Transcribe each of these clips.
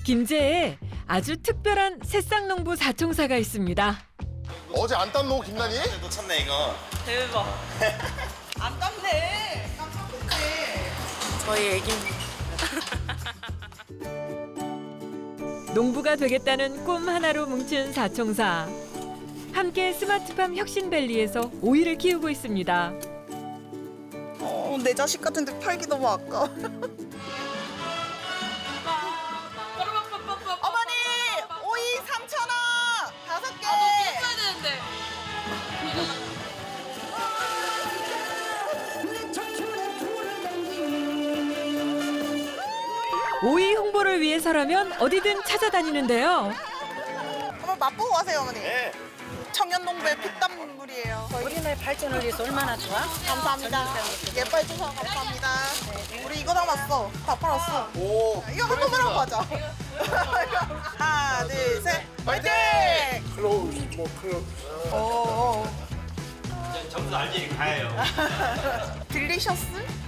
김제에 아주 특별한 새싹농부 사총사가 있습니다. 어제 안 땄노 김난이? 놓쳤네 이거. 대박. 안 땄네. 깜짝 놀랐네. 저희 애기. 농부가 되겠다는 꿈 하나로 뭉친 사총사. 함께 스마트팜 혁신밸리에서 오이를 키우고 있습니다. 내 자식 같은데 팔기 너무 아까워. 어머니, 오이 3,000원! 5개! 해야 되는데. 오이 홍보를 위해서라면 어디든 찾아다니는데요. 한번 맛보고 가세요, 어머니. 네. 청년농부의 피땀물이에요. 우리나라 발전을 위해서 얼마나 좋아? 감사합니다. 예뻐해주셔서 감사합니다. 우리 이거 남았어. 다 팔았어. 오. 이거 한 번만 하고 가자. 하나, 둘, 셋. 화이팅! 클로즈 뭐 클로즈. 오. 점수 알지 가요. 딜리셔스?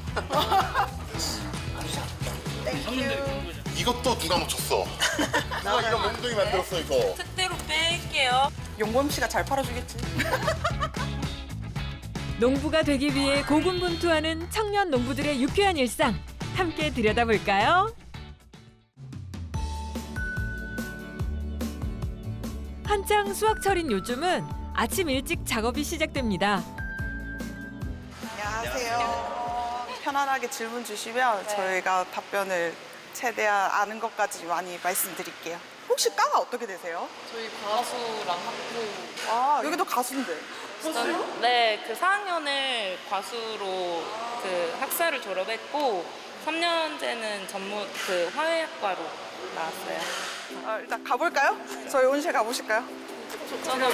땡큐. 이것도 누가 묻혔어? 누가 이런 몽둥이 만들었어 이거? 특대로 뺄게요. 용범 씨가 잘 팔아주겠지. 농부가 되기 위해 고군분투하는 청년 농부들의 유쾌한 일상 함께 들여다볼까요? 한창 수확철인 요즘은 아침 일찍 작업이 시작됩니다. 안녕하세요. 편안하게 질문 주시면 저희가 답변을 최대한 아는 것까지 많이 말씀드릴게요. 혹시 과가 어떻게 되세요? 저희 과수랑 학부. 아, 여기도 가수인데. 네, 그 4학년을 과수로 그 학사를 졸업했고 3년째는 전문 그 화훼학과로 나왔어요. 아, 일단 가볼까요? 저희 온실 가보실까요? 저는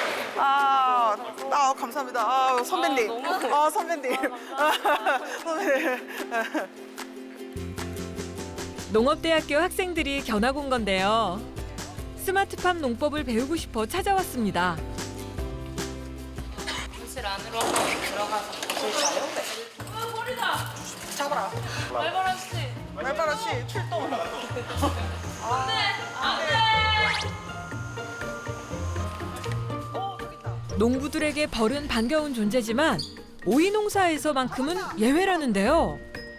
감사합니다. 아, 선배님. 아, 너무- 아, 선배님. 선배님. 농업대학교 학생들이 견학 온 건데요. 스마트팜 농법을 배우고 싶어 찾아왔습니다. 교실 안으로 한번 들어가서 보실까요? 머리다. 잡아라. 말바람 씨. 말바라 씨, 출동. 농부들에게 벌은 반가운 존재지만 오이 농사에서만큼은 예외라는데요.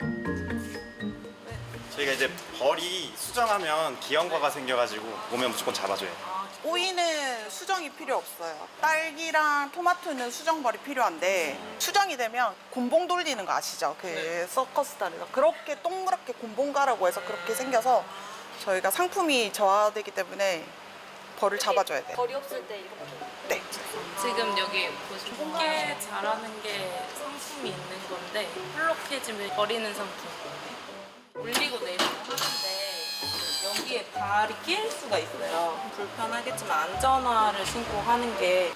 저희가 이제 벌이 수정하면 기형과가 생겨가지고 오면 무조건 잡아줘요. 오이는 수정이 필요 없어요. 딸기랑 토마토는 수정벌이 필요한데 수정이 되면 곤봉 돌리는 거 아시죠? 그 서커스단에서 그렇게 동그랗게 곤봉가라고 해서 그렇게 생겨서 저희가 상품이 저하되기 때문에 벌을 잡아줘야 돼요. 벌이 없을 때 이렇게. 네. 지금 여기 보시면 쉽게 자라는 게 상품이 있는 건데 플로케즘을 버리는 상품. 올리고 내리고 하는데 여기에 발이 끼일 수가 있어요. 불편하겠지만 안전화를 신고 하는 게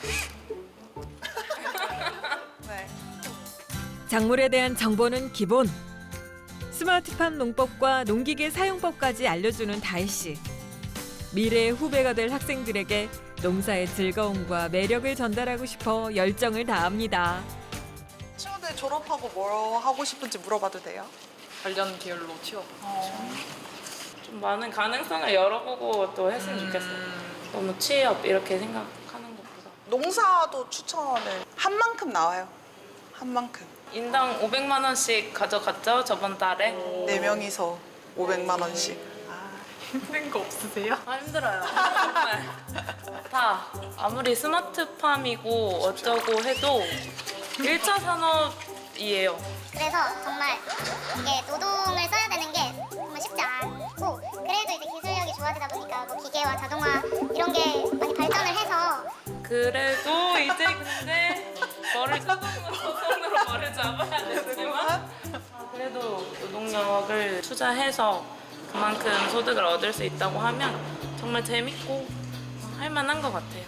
네. 작물에 대한 정보는 기본. 스마트팜 농법과 농기계 사용법까지 알려주는 다혜 씨. 미래의 후배가 될 학생들에게 농사의 즐거움과 매력을 전달하고 싶어 열정을 다합니다. 친구들 졸업하고 뭐 하고 싶은지 물어봐도 돼요? 관련 계열로 취업. 좀 많은 가능성을 열어보고 또 했으면 좋겠어요. 너무 취업 이렇게 생각하는 것보다. 농사도 추천을 한 만큼 나와요. 한 만큼. 인당 500만 원씩 가져갔죠 저번 달에. 네 명이서 500만 원씩. 힘든 거 없으세요? 아 힘들어요. 정말 다 아무리 스마트팜이고 어쩌고 해도 1차 산업이에요. 그래서 정말 이게 노동을 써야 되는 게 정말 쉽지 않고 그래도 이제 기술력이 좋아지다 보니까 뭐 기계와 자동화 이런 게 많이 발전을 해서 그래도 이제 근데 머리를 손으로 머리를 잡아야 되지만 그래도 노동력을 투자해서 그만큼 소득을 얻을 수 있다고 하면 정말 재밌고 할 만한 것 같아요.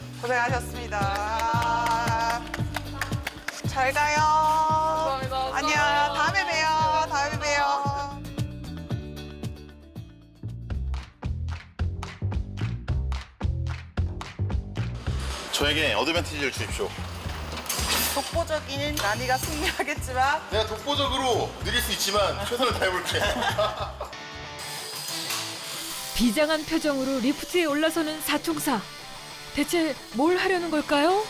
고생하셨습니다. 잘 가요. 감사합니다. 안녕. 다음에 봬요. 다음에 봬요. 저에게 어드밴티지를 주십시오. 독보적인 난이가 승리하겠지만 내가 독보적으로 느릴 수 있지만 최선을 다해볼게. 비장한 표정으로 리프트에 올라서는 사총사. 대체 뭘 하려는 걸까요?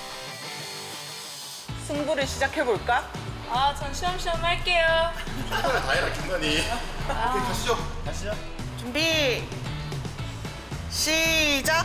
승부를 시작해볼까? 아, 전 시험시험 할게요. 김나니 다 해라 김나니. 오케이 가시죠. 가시죠. 준비 시작.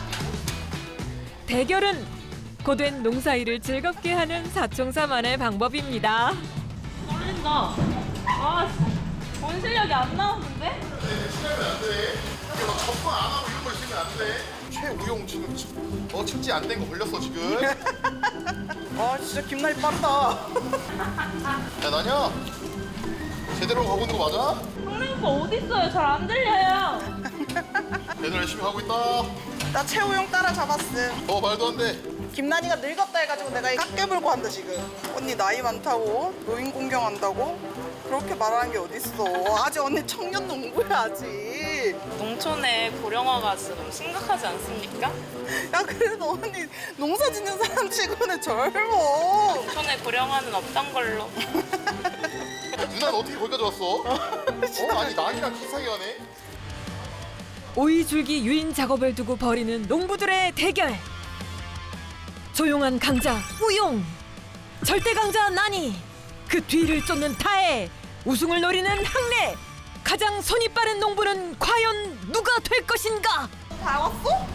대결은 고된 농사일을 즐겁게 하는 사총사만의 방법입니다. 떨린다. 아, 본 실력이 안 나오는데? 치면 안 돼. 이거 너 접근 안 하고 이런 거 있으면 안 돼. 최우용 지금 측지 안 된 거 걸렸어 지금. 아 진짜 김나리 빠르다. 야 나냐? 제대로 가고 있는 거 맞아? 형님 오빠 어디 있어요? 잘 안 들려요. 얘들 열심히 하고 있다. 나 최우용 따라잡았음. 말도 안 돼. 김나니가 늙었다 해가지고 내가 깎게 물고 한다 지금. 언니 나이 많다고? 노인 공경한다고? 그렇게 말하는 게 어딨어. 아직 언니 청년 농부야 아직. 농촌에 고령화가 지금 심각하지 않습니까? 야 그래도 언니 농사 짓는 사람 치고는 젊어. 농촌에 고령화는 없던 걸로. 누나는 어떻게 거기까지 왔어? 아니 나이랑 비슷하게 하네. 오이 줄기 유인 작업을 두고 벌이는 농부들의 대결. 조용한 강자 우용, 절대 강자 나니, 그 뒤를 쫓는 타해, 우승을 노리는 항래. 가장 손이 빠른 농부는 과연 누가 될 것인가? 다 왔어?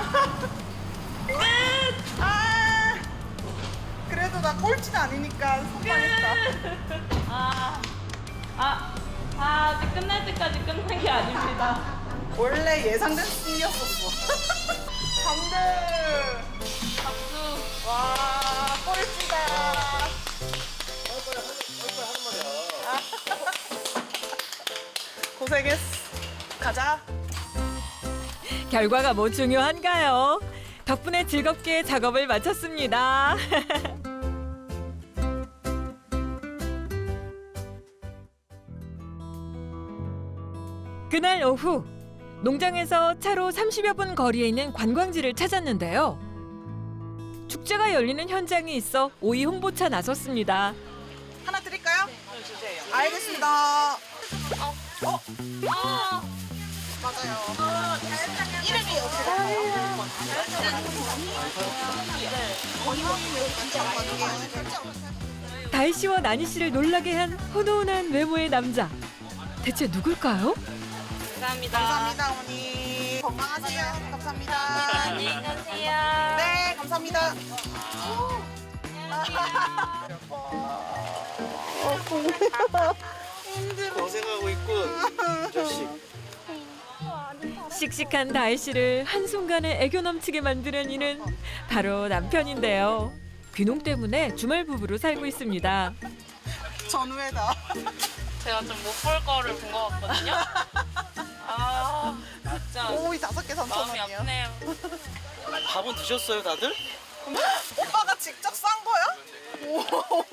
아 그래도 나 꼴찌는 아니니까 속상했다. 아직 끝날 때까지 끝난 게 아닙니다. 원래 예상된 승리였었어. 3등. 박수. 와 꼴찌다. 고생했어. 가자. 결과가 뭐 중요한가요? 덕분에 즐겁게 작업을 마쳤습니다. 그날 오후 농장에서 차로 30여 분 거리에 있는 관광지를 찾았는데요. 축제가 열리는 현장이 있어 오이 홍보차 나섰습니다. 하나 드릴까요? 네, 주세요. 알겠습니다. 맞아요. 이름이 어떻게 될까요? 다희 씨와 나니 씨를 놀라게 한 훈훈한 외모의 남자. 대체 누굴까요? 감사합니다. 감사합니다, 어머니. 건강하세요. 감사합니다. 안녕히 가세요. 네, 감사합니다. 고생하고 있군. 자식. 씩씩한 다희 씨를 한순간에 애교 넘치게 만드는 이는 바로 남편인데요. 귀농 때문에 주말 부부로 살고 있습니다. 전후회다. 제가 좀 못 볼 거를 본 것 같거든요. 아, 진짜 오이 5개 마음이 3,000원이요. 아프네요. 밥은 드셨어요 다들? 오빠가 직접 싼 거야?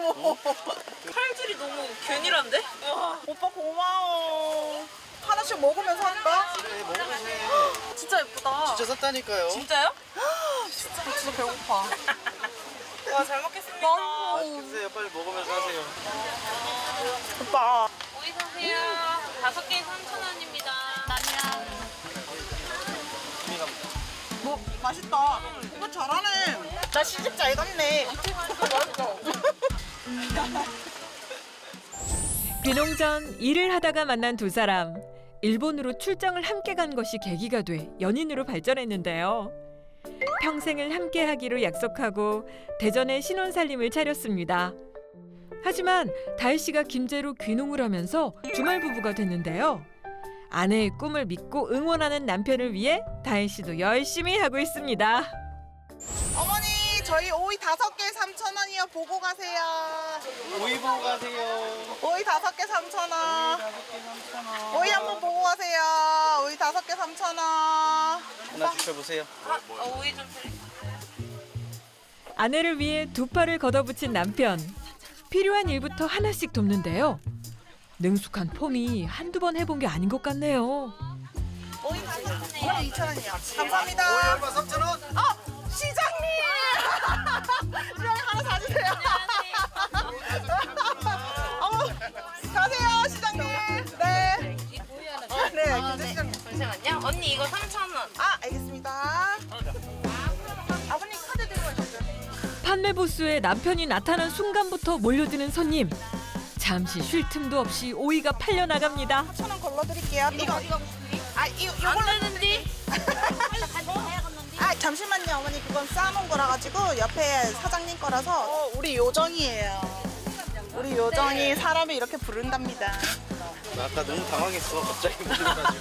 칼질이 너무 균일한데? 와, 오빠 고마워. 하나씩 먹으면서 할까? 그래 먹으면서 해. 진짜 예쁘다. 진짜 샀다니까요. 진짜요? 진짜 배고파. 와, 잘 먹겠습니다. 드세요. 빨리 먹으면서 하세요. 오빠. 오이 사세요. 5개에 3,000원입니다. 남양. 뭐 맛있다. 오빠 잘하네. 나 시집 잘 갔네. 귀농 전 일을 하다가 만난 두 사람. 일본으로 출장을 함께 간 것이 계기가 돼 연인으로 발전했는데요. 평생을 함께 하기로 약속하고 대전에 신혼살림을 차렸습니다. 하지만 다희 씨가 김제로 귀농을 하면서 주말 부부가 됐는데요. 아내의 꿈을 믿고 응원하는 남편을 위해 다희 씨도 열심히 하고 있습니다. 어머니 저희 오이 5개 3,000원이요. 보고 가세요. 오이 보고 가세요. 오이 5개 3,000원. 오이 한번 보고 가세요. 오이 5개 3,000원. 하나 주셔보세요. 오이 좀 드릴게요. 아내를 위해 두 팔을 걷어붙인 남편. 필요한 일부터 하나씩 돕는데요. 능숙한 폼이 한두 번 해본 게 아닌 것 같네요. 오이 5개 2,000원이요. 감사합니다. 오이 얼마 3,000원? 시장님! 시장님 하나 사주세요. 가세요 시장님. 네. 네, 시장님. 잠시만요. 언니 이거 3,000원. 아, 알겠습니다. 아버님 카드 들고 가시죠. 판매 부스에 남편이 나타난 순간부터 몰려드는 손님. 잠시 쉴 틈도 없이 오이가 팔려 나갑니다. 4,000원 걸러드릴게요. 이거 안 되는데? 아, 잠시만요, 어머니. 그건 쌓아놓은 거라 가지고 옆에 사장님 거라서. 우리 요정이에요. 우리 요정이 사람을 이렇게 부른답니다. 나 아까 너무 당황했어. 갑자기 몰려가지고.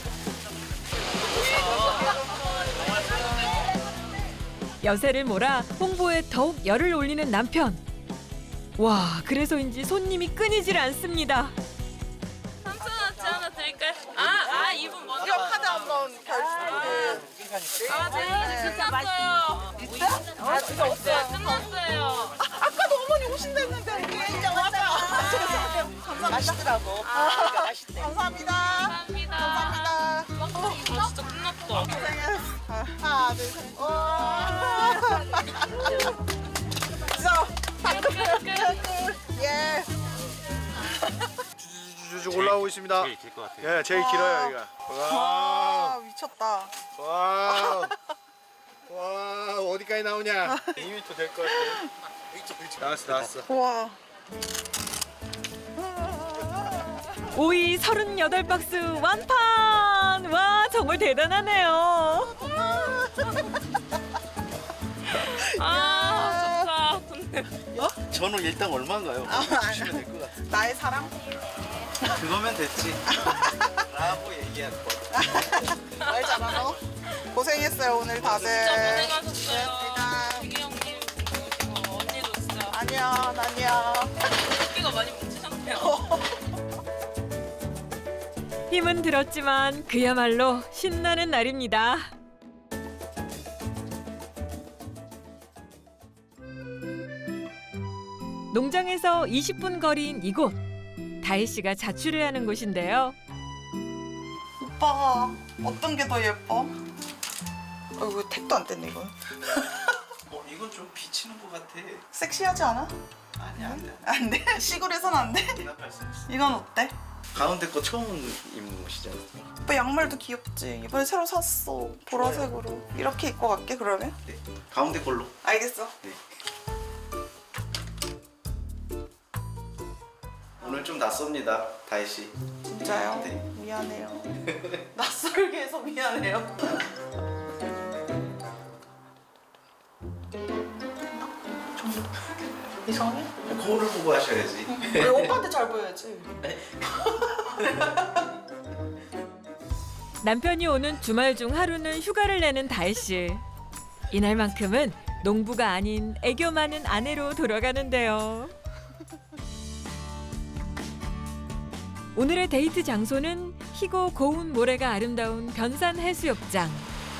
여세를 몰아 홍보에 더욱 열을 올리는 남편. 와, 그래서인지 손님이 끊이질 않습니다. 3,000원어치 하나 드릴까요? 이분 먼저. 이거 카드 한번 제가 끝났어요. 있어요? 지금 없어요. 끝났어요. 아까도 어머니 오신다 했는데 이제 왔어요. 감사합니다. 맛있더라고. 맛있대. 감사합니다. 감사합니다. 감사합니다. 진짜 끝났다. 고생했어. 하나, 둘, 셋. 와. 예. 쭉 올라오고 있습니다. 제일 길 것 같아요. 예, 제일 길어요 여기가. 와, 와, 미쳤다. 와, 와, 어디까지 나오냐? 2m 될 것 같아요. 나왔어. 와. 오이 38박스 완판! 와, 정말 대단하네요. 좋다. 근데 저는 일단 얼마인가요? 주시면 될 것 같아요. 나의 사랑. 그거면 됐지. 라고 얘기할 거야. 말 잘하노? 고생했어요 오늘 다들. 진짜 고생하셨어요. 고맙습니다. 기계 형님 그리고 언니도 진짜 아니야. 끼가 많이 뭉치셨네요. 힘은 들었지만 그야말로 신나는 날입니다. 농장에서 20분 거리인 이곳. 다희 씨가 자취를 하는 곳인데요. 오빠가 어떤 게 더 예뻐? 이거 택도 안 뗐네 이거. 이건 좀 비치는 것 같아. 섹시하지 않아? 아니야, 안 돼. 안 돼? 시골에선 안 돼? 대답할 수 있어. 이건 어때? 가운데 거 처음 입는 옷이잖아. 오빠 양말도 귀엽지? 이번에 새로 샀어. 보라색으로. 이렇게 입고 갈게 그러면? 네. 가운데 걸로. 알겠어. 네. 오늘 좀 낯섭니다, 다희 씨. 진짜요? 네. 미안해요. 낯설게 해서 미안해요. 좀 이상해? 거울을 보고 하셔야지. 왜 오빠한테 잘 보여야지. 남편이 오는 주말 중 하루는 휴가를 내는 다희 씨. 이날만큼은 농부가 아닌 애교 많은 아내로 돌아가는데요. 오늘의 데이트 장소는 희고 고운 모래가 아름다운 변산 해수욕장.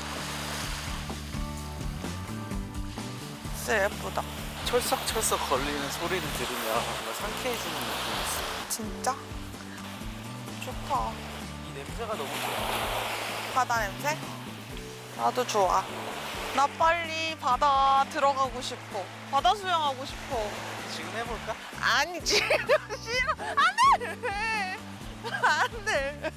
진짜 예쁘다. 철썩철썩 걸리는 소리를 들으면 뭔가 상쾌해지는 느낌이 있어. 진짜? 좋다. 이 냄새가 너무 좋아. 바다 냄새? 나도 좋아. 나 빨리 바다 들어가고 싶어. 바다 수영하고 싶어. 지금 해볼까? 아니 지금 싫어. 안 돼. 안 돼.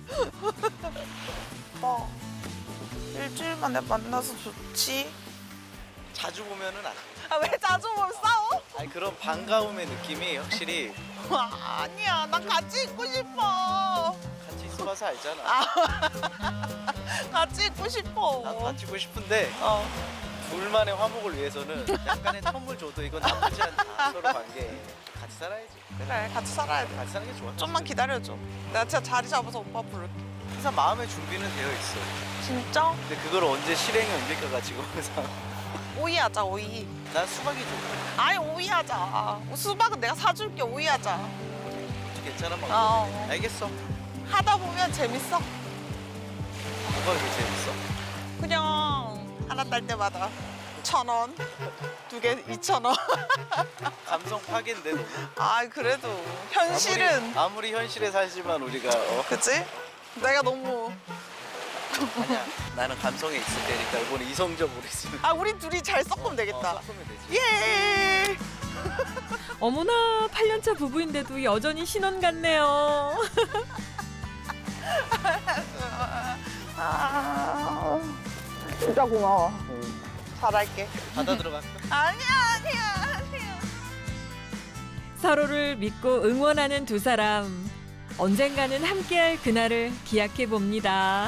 오빠 일주일 만에 만나서 좋지? 자주 보면은 안 돼. 아, 왜 자주 보면 싸워? 아니 그런 반가움의 느낌이 확실히 아니야, 난 같이 있고 싶어. 같이 있어봐서 알잖아. 같이 있고 싶어. 나도 같이 있고 싶은데 어. 둘만의 화목을 위해서는 약간의 텀을 줘도 이건 나쁘지 않다. 서로 관계 같이 살아야지. 그래, 같이 살아야 돼. 같이 사는 게 좋아. 좀만 기다려줘. 내가 진짜 자리 잡아서 오빠 부를게. 항상 마음의 준비는 되어 있어. 진짜? 근데 그걸 언제 실행에 옮길까가 지금 항상. 오이하자, 오이. 난 수박이 좋아. 아니, 오이하자. 수박은 내가 사줄게, 오이하자. 괜찮아 막. 어. 알겠어. 하다 보면 재밌어. 뭐가 그렇게 재밌어? 그냥 하나 딸 때마다 1,000원, 2개 2,000원. 감성 파괴인데 너무. 아, 그래도 현실은 아무리 현실에 살지만 우리가 그치? 내가 너무 아니야. 나는 감성에 있을 테니까 이번에 이성적으로 있으면. 아, 우리 둘이 잘 섞으면 되겠다. 섞으면 되지. 예. 어머나, 8년차 부부인데도 여전히 신혼 같네요. 아, 진짜 고마워. 잘할게. 바다 들어갈까? 아니야. 서로를 믿고 응원하는 두 사람. 언젠가는 함께할 그날을 기약해 봅니다.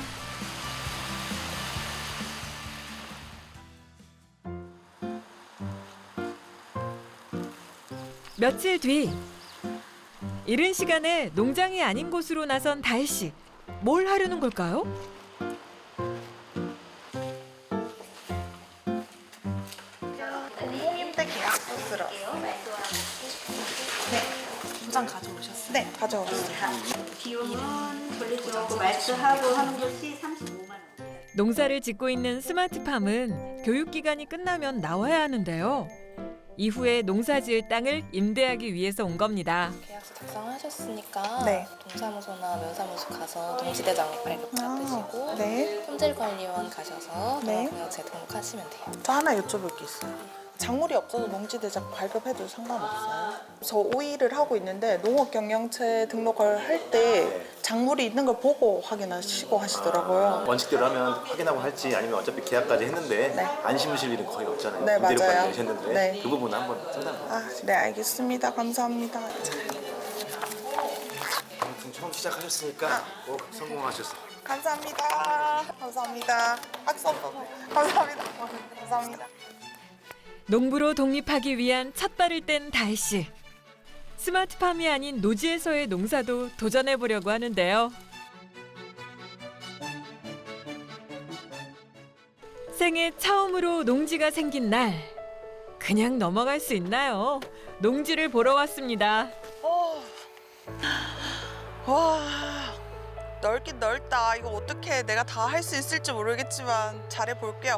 며칠 뒤 이른 시간에 농장이 아닌 곳으로 나선 다혜 씨. 뭘 하려는 걸까요? 공공임대 계약서 쓰러. 도장 가져오셨어요? 네, 가져왔어요. 비용은 돌려주고 말수하고 하는 것이 35만 원. 농사를 짓고 있는 스마트팜은 교육기간이 끝나면 나와야 하는데요. 이후에 농사지을 땅을 임대하기 위해서 온 겁니다. 계약서 작성하셨으니까 네. 동사무소나 면사무소 가서 동시대장 발급 받으시고 네. 품질관리원 가셔서 네. 농업공약제 등록하시면 돼요. 저 하나 여쭤볼 게 있어요. 작물이 없어도 농지대장 발급해도 상관없어요? 저 오일을 하고 있는데 농업경영체 등록을 할 때 작물이 있는 걸 보고 확인하시고 하시더라고요. 원칙대로 하면 확인하고 할지 아니면 어차피 계약까지 했는데 네. 안 심으실 일은 거의 없잖아요. 네, 임대료까지 맞아요. 내셨는데 네. 그 부분은 한번 상담. 아, 네, 알겠습니다. 감사합니다. 아무튼 처음 시작하셨으니까 꼭 성공하셨어요. 감사합니다. 감사합니다. 박수 한번. 감사합니다. 감사합니다. 농부로 독립하기 위한 첫 발을 뗀 다혜 씨. 스마트팜이 아닌 노지에서의 농사도 도전해 보려고 하는데요. 생애 처음으로 농지가 생긴 날. 그냥 넘어갈 수 있나요? 농지를 보러 왔습니다. 와, 넓긴 넓다. 이거 어떻게 내가 다 할 수 있을지 모르겠지만 잘해 볼게요.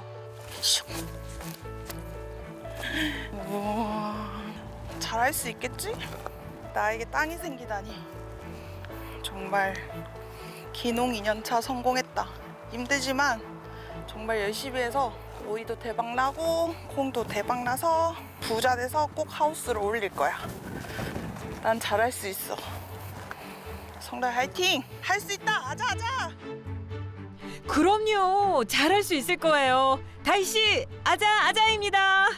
우와, 잘할 수 있겠지? 나에게 땅이 생기다니. 정말 기농 2년차 성공했다. 힘들지만 정말 열심히 해서 오이도 대박 나고 콩도 대박 나서 부자 돼서 꼭 하우스를 올릴 거야. 난 잘할 수 있어. 성달 화이팅! 할 수 있다! 아자 아자! 그럼요. 잘할 수 있을 거예요. 다혜 씨, 아자 아자입니다.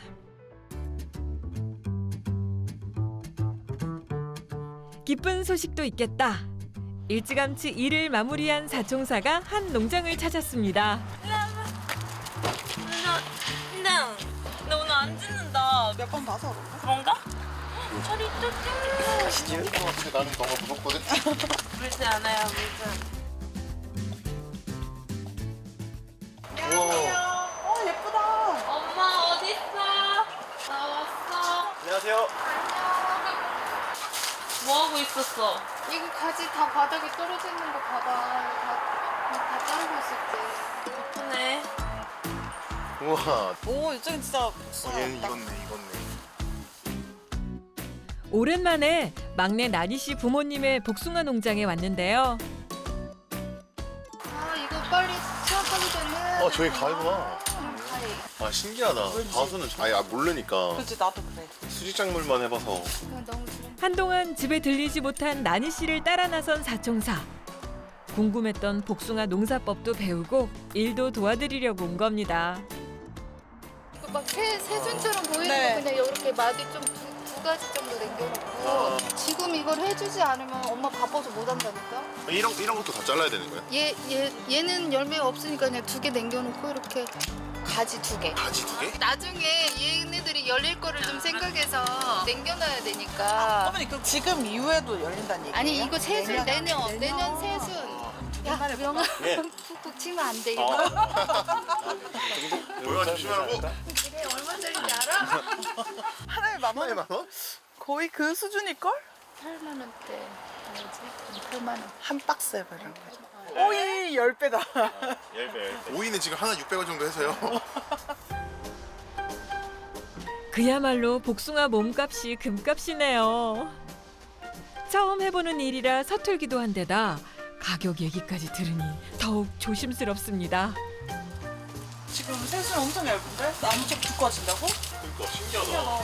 기쁜 소식도 있겠다. 일찌감치 일을 마무리한 사총사가 한 농장을 찾았습니다. 근데 나 오늘 안 짓는다. 몇 번 봐서 그런가? 그런가? 저리 또 나는 너무 무섭거든. 물지 않아요, 물지. 우와. 예쁘다. 엄마 어딨어? 나 왔어. 안녕하세요. 뭐 하고 있었어? 이거 가지 다 바닥에 떨어져 있는 거 봐봐. 다 자르고 있었지. 예쁘네. 우와. 오, 이쪽은 진짜 얘는 익었네. 오랜만에 막내 나니 씨 부모님의 복숭아 농장에 왔는데요. 아 이거 빨리 수확하기 전에. 저기 가위구나. 가위. 아, 신기하다. 가수는 아예 모르니까 그렇지, 나도 그래. 수직작물만 해봐서. 그건 너무 지금. 한동안 집에 들리지 못한 나니 씨를 따라 나선 사총사. 궁금했던 복숭아 농사법도 배우고 일도 도와드리려고 온 겁니다. 이거 막 세준처럼 보이는 네. 거 그냥 이렇게 막이 좀 두 가지 정도 남겨놓고 지금 이걸 해주지 않으면 엄마 바빠서 못 한다니까. 이런 것도 다 잘라야 되는 거야? 얘는 열매가 없으니까 그냥 두 개 남겨놓고 이렇게 가지 두 개. 가지 두 개? 나중에 얘네들이 열릴 거를 좀 생각해서 남겨놔야 되니까. 어머니, 그럼 지금 이후에도 열린다는 얘기예요? 아니 이거 세순 내년 세순. 야 명아 푹푹 치면 안 돼 이거. 뭐야, 조심하라고. 이게 얼마짜리인지 알아? 하나에 만 원? 1만 원? 거의 그 수준일걸? 8만 원대. 뭐지? 8만 원. 한 박스에 이런 거. 오이 10배다. 10배. 오이는 지금 하나 600원 정도 해서요. 그야말로 복숭아 몸값이 금값이네요. 처음 해보는 일이라 서툴기도 한데다 가격 얘기까지 들으니 더욱 조심스럽습니다. 지금 세수는 엄청 얇은데? 나무쪽 두꺼워진다고? 그러니까 신기하다.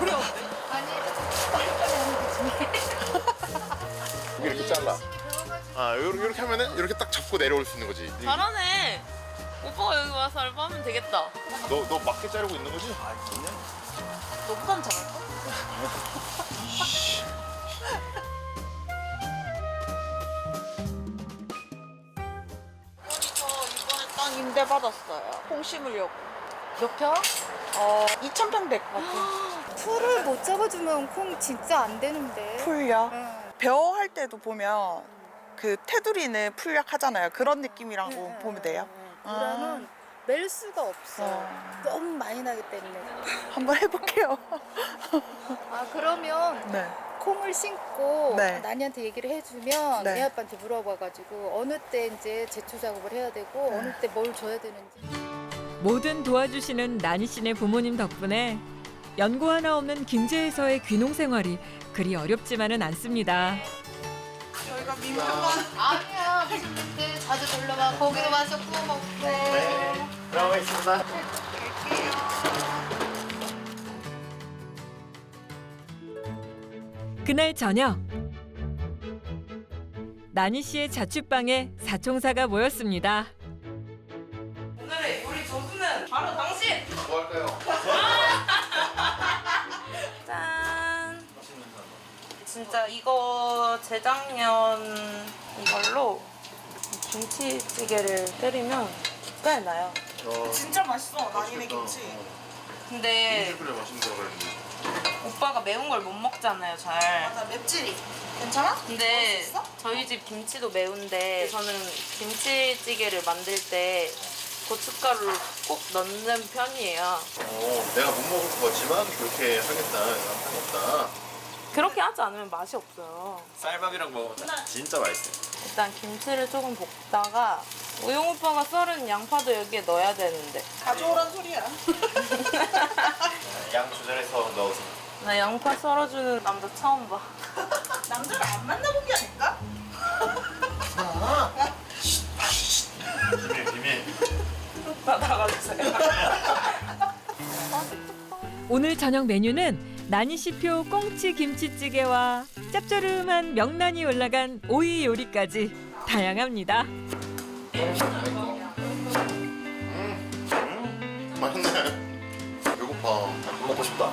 아니 빨리 하는 거지. 이게 이렇게 잘라. 아 이렇게 하면은 이렇게 딱 잡고 내려올 수 있는 거지. 잘하네. 오빠가 여기 와서 알바하면 되겠다. 너 맞게 자르고 있는 거지? 너보단 잘할까? 저 이번에 땅 임대 받았어요. 콩 심으려고. 몇 평? 2,000평 됐거든. 풀을 못 잡아주면 콩 진짜 안 되는데. 풀려. 응. 벼 할 때도 보면 그 테두리는 풀약 하잖아요. 그런 느낌이라고 보면 돼요. 보라는 멜 수가 없어. 너무 많이 나기 때문에. 한번 해볼게요. 아 그러면 네. 콩을 심고 네. 나니한테 얘기를 해주면 네. 애 아빠한테 물어봐가지고 어느 때 이제 제초 작업을 해야 되고 어느 때 뭘 줘야 되는지. 뭐든 도와주시는 나니 씨네 부모님 덕분에 연고 하나 없는 김제에서의 귀농 생활이 그리 어렵지만은 않습니다. 저희가 민폐만 아니야 무슨 때 자주 놀러와 거기도 와서 구워 먹고. 네. 들어가겠습니다. 그날 저녁 나니 씨의 자취방에 사총사가 모였습니다. 오늘의 요리 조수는 바로 당신! 뭐 할까요? 짠! 진짜 이거 재작년 이걸로 김치찌개를 때리면 기가에 나요. 진짜 맛있어. 나니네 김치. 근데 그래 맛있는 거 그랬는데. 오빠가 매운 걸 못 먹잖아요, 잘. 맞아, 맵찔이. 괜찮아? 근데 먹을 수 있어? 저희 집 김치도 매운데 저는 김치찌개를 만들 때 고춧가루를 꼭 넣는 편이에요. 내가 못 먹을 것 같지만 그렇게 하겠다. 하겠다. 그렇게 하지 않으면 맛이 없어요. 쌀밥이랑 먹으면 진짜 맛있어요. 일단 김치를 조금 볶다가 우영 오빠가 썰은 양파도 여기에 넣어야 되는데 가져오란 소리야. 양 조절해서 넣으세요. 나 양파 썰어주는 남자 처음 봐. 남자를 안 만나본 게 아닐까? 비밀. 나 나가주세요. 오늘 저녁 메뉴는 나니 씨표 꽁치 김치찌개와 짭조름한 명란이 올라간 오이 요리까지 다양합니다. 맛있네. 배고파. 밥 먹고 싶다.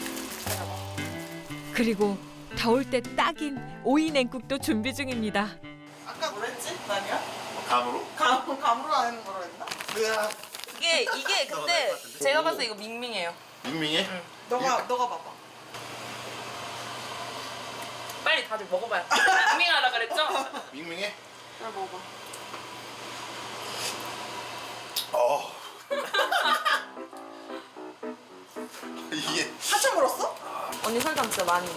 그리고 더울 때 딱인 오이 냉국도 준비 중입니다. 아까 뭐랬지? 나니야? 감으로? 감으로 하는 거로 했나? 이게 근데 제가 봤을 때 이거 밍밍해요. 밍밍해? 너가 봐봐. 빨리 다들 먹어봐요. 밍밍하라 그랬죠? 밍밍해? 잘 먹어봐. 이게 한참 물었어? 언니 설탕 진짜 많이.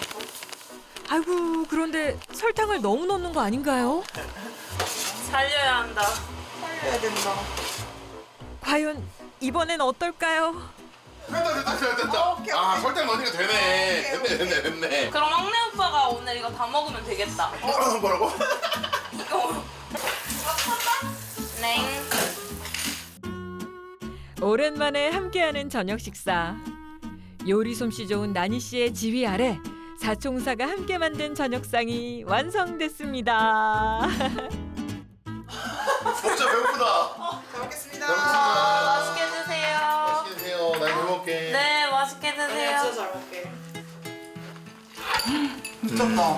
아이고 그런데 설탕을 너무 넣는 거 아닌가요? 살려야 한다. 살려야 된다. 과연 이번엔 어떨까요? 됐다. 오케이, 아 오케이. 설탕 넣으니까 되네. 오케이, 됐네. 그럼 막내 오빠가 오늘 이거 다 먹으면 되겠다. 뭐라고? 이거. 네. 오랜만에 함께하는 저녁 식사. 요리 솜씨 좋은 나니 씨의 지휘 아래 사총사가 함께 만든 저녁상이 완성됐습니다. 진짜 배고프다. 잘 먹겠습니다. 맛있게 드세요. 맛있게 드세요. 난 잘 먹게. 네, 맛있게 아니야, 드세요. 진짜 잘 먹게. 미쳤다.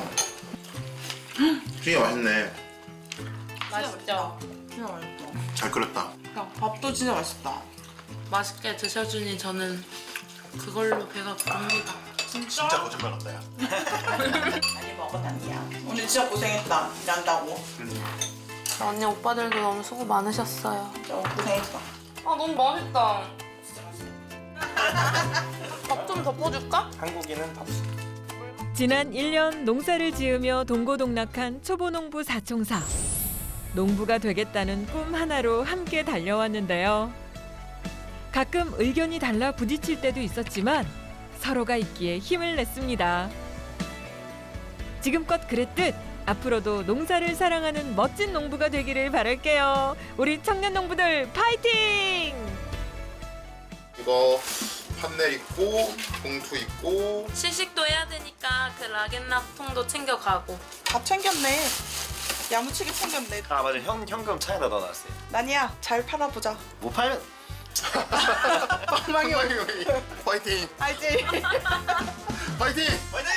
되게 맛있네. 맛있죠? 진짜 맛있다. 잘 끓였다. 야, 밥도 진짜 맛있다. 맛있게 드셔주니 저는 그걸로 배가 부릅니다. 진짜 거짓말 같다 야. 많이 먹어, 나니야. 오늘 진짜 고생했다. 일한다고. 언니 오빠들도 너무 수고 많으셨어요. 고생했어. 아 너무 맛있다. 밥 좀 덮어줄까? 한국인은 밥. 지난 1년 농사를 지으며 동고동락한 초보농부 사총사. 농부가 되겠다는 꿈 하나로 함께 달려왔는데요. 가끔 의견이 달라 부딪힐 때도 있었지만 서로가 있기에 힘을 냈습니다. 지금껏 그랬듯 앞으로도 농사를 사랑하는 멋진 농부가 되기를 바랄게요. 우리 청년 농부들 파이팅! 이거 판넬 있고 봉투 있고 시식도 해야 되니까 그 락앤락통도 챙겨가고. 밥 챙겼네. 야무치게 챙겼네. 아 맞아, 현금 차에다 넣어놨어요. 난이야, 잘 팔아보자. 못 팔면 빵망이 파이팅. 알지? 파이팅. 화이팅!